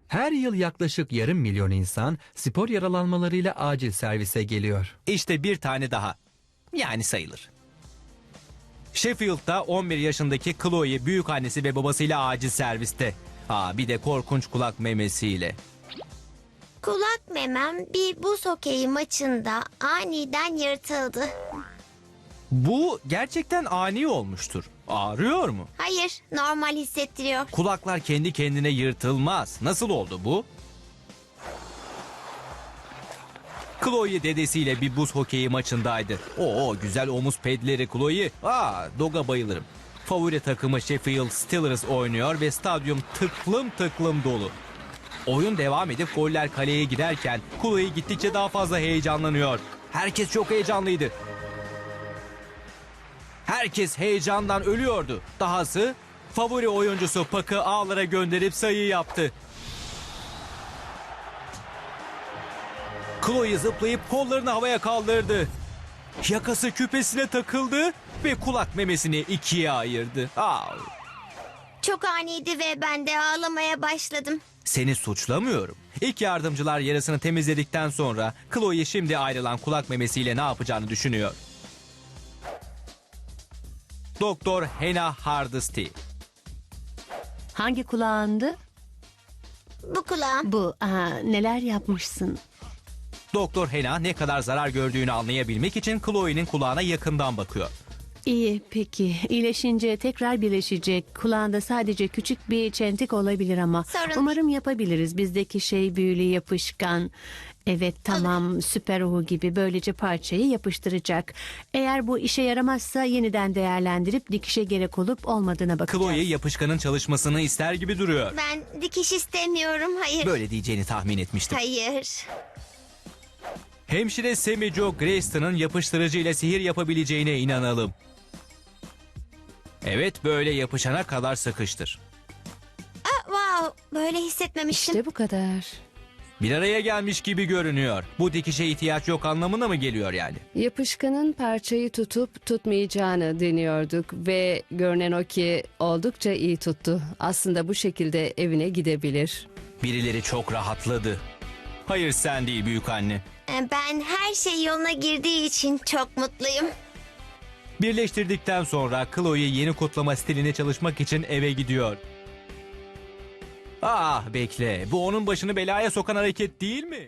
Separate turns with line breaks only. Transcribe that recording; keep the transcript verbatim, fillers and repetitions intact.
Her yıl yaklaşık yarım milyon insan spor yaralanmalarıyla acil servise geliyor.
İşte bir tane daha. Yani sayılır. Sheffield'da on bir yaşındaki Chloe büyükannesi ve babasıyla acil serviste. Aa, bir de korkunç kulak memesiyle.
Kulak memem bir buz hokeyi maçında aniden yırtıldı.
Bu gerçekten ani olmuştur. Ağrıyor mu?
Hayır, normal hissettiriyor.
Kulaklar kendi kendine yırtılmaz. Nasıl oldu bu? Chloe dedesiyle bir buz hokeyi maçındaydı. Oo, güzel omuz pedleri Chloe. Aa, Dog'a bayılırım. Favori takımı Sheffield Steelers oynuyor ve stadyum tıklım tıklım dolu. Oyun devam edip goller kaleye giderken Chloe gittikçe daha fazla heyecanlanıyor. Herkes çok heyecanlıydı. Herkes heyecandan ölüyordu. Dahası favori oyuncusu Puck'ı ağlara gönderip sayı yaptı. Chloe zıplayıp kollarını havaya kaldırdı. Yakası küpesine takıldı ve kulak memesini ikiye ayırdı. Aa,
Çok aniydi ve ben de ağlamaya başladım.
seni suçlamıyorum. İlk yardımcılar yarasını temizledikten sonra Chloe şimdi ayrılan kulak memesiyle ne yapacağını düşünüyor. Doktor Hannah Hardesty.
Hangi kulağındı?
Bu kulağım.
Bu. Aha, neler yapmışsın?
Doktor Hannah ne kadar zarar gördüğünü anlayabilmek için Chloe'nin kulağına yakından bakıyor.
İyi, peki. İyileşince tekrar birleşecek. Kulağında sadece küçük bir çentik olabilir ama.
Sorun değil.
Umarım yapabiliriz. Bizdeki şey büyülü yapışkan. Evet, tamam, süper uhu gibi böylece parçayı yapıştıracak. Eğer bu işe yaramazsa yeniden değerlendirip dikişe gerek olup olmadığına bakacağız.
Chloe yapışkanın çalışmasını ister gibi duruyor.
Ben dikiş istemiyorum, hayır.
Böyle diyeceğini tahmin etmiştim.
Hayır.
Hemşire Sammy Jo Grayston'ın yapıştırıcı ile sihir yapabileceğine inanalım. Evet, böyle yapışana kadar sıkıştır.
Aa, wow, böyle hissetmemiştim.
İşte bu kadar.
Bir araya gelmiş gibi görünüyor. Bu dikişe ihtiyaç yok anlamına mı geliyor yani?
Yapışkanın parçayı tutup tutmayacağını deniyorduk ve görünen o ki oldukça iyi tuttu. Aslında bu şekilde evine gidebilir.
Birileri çok rahatladı. Hayır, sen değil büyükanne.
Ee, Ben her şey yoluna girdiği için çok mutluyum.
Birleştirdikten sonra Chloe yeni kutlama stiline çalışmak için eve gidiyor. Ah bekle, bu onun başını belaya sokan hareket değil mi?